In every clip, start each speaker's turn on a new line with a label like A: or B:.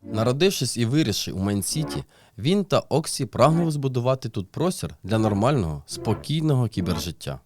A: Народившись і вирісши у Майн-Сіті, він та Оксі прагнули збудувати тут простір для нормального, спокійного кібержиття.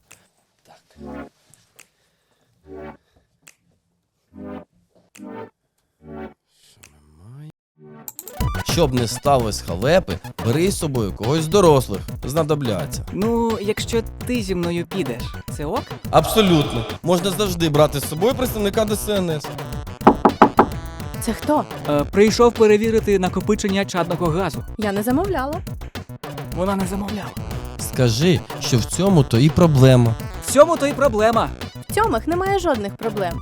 A: Щоб не сталося халепи, бери з собою когось з дорослих, знадобляться.
B: Ну, якщо ти зі мною підеш, це ок?
A: Абсолютно. Можна завжди брати з собою представника ДСНС.
C: Це хто?
B: Прийшов перевірити накопичення чадного газу.
C: Я не замовляла.
B: Вона не замовляла.
A: Скажи, що в цьому то і проблема.
B: В цьому то й проблема.
C: В цьомах немає жодних проблем.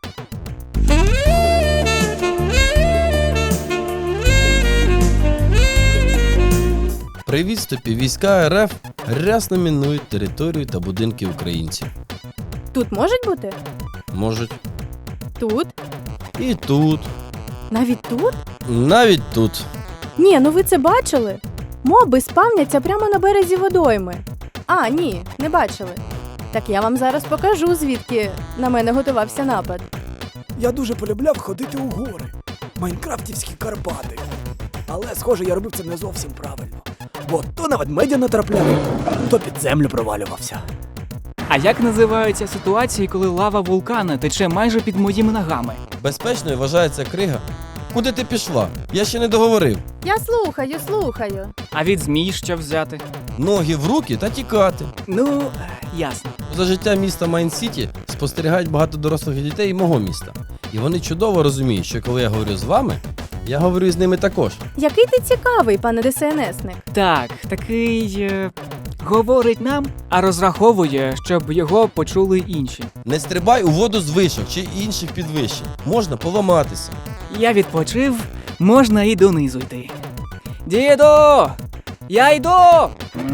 A: При відступі війська РФ рясно мінують територію та будинки українців.
C: Тут можуть бути?
A: Можуть
C: Тут?
A: і тут,
C: Навіть тут?
A: навіть тут.
C: Ні, ну ви це бачили? Моби спавняться прямо на березі водойми. А, ні, не бачили. Так я вам зараз покажу, звідки на мене готувався напад.
D: Я дуже полюбляв ходити у гори. Майнкрафтівські Карпати. Але, схоже, я робив це не зовсім правильно. Бо то на ведмедя натрапляв, то під землю провалювався.
B: А як називаються ситуації, коли лава вулкана тече майже під моїми ногами?
A: Безпечною вважається крига. Куди ти пішла? Я ще не договорив.
C: Я слухаю.
B: А від змій що взяти?
A: Ноги в руки та тікати.
B: Ну, ясно.
A: За життя міста Майн-Сіті спостерігають багато дорослих дітей мого міста. І вони чудово розуміють, що коли я говорю з вами, я говорю з ними також.
C: Який ти цікавий, пане ДСНСник.
B: Так, такий говорить нам, а розраховує, щоб його почули інші.
A: Не стрибай у воду з вишок чи інших підвищень. Можна поламатися.
B: Я відпочив, можна і донизу йти. Діду! Я йду!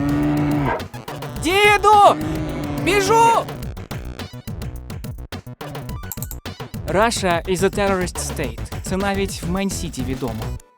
B: Діду! Біжу! Russia is a terrorist state. Це навіть в Майн-Сіті відомо.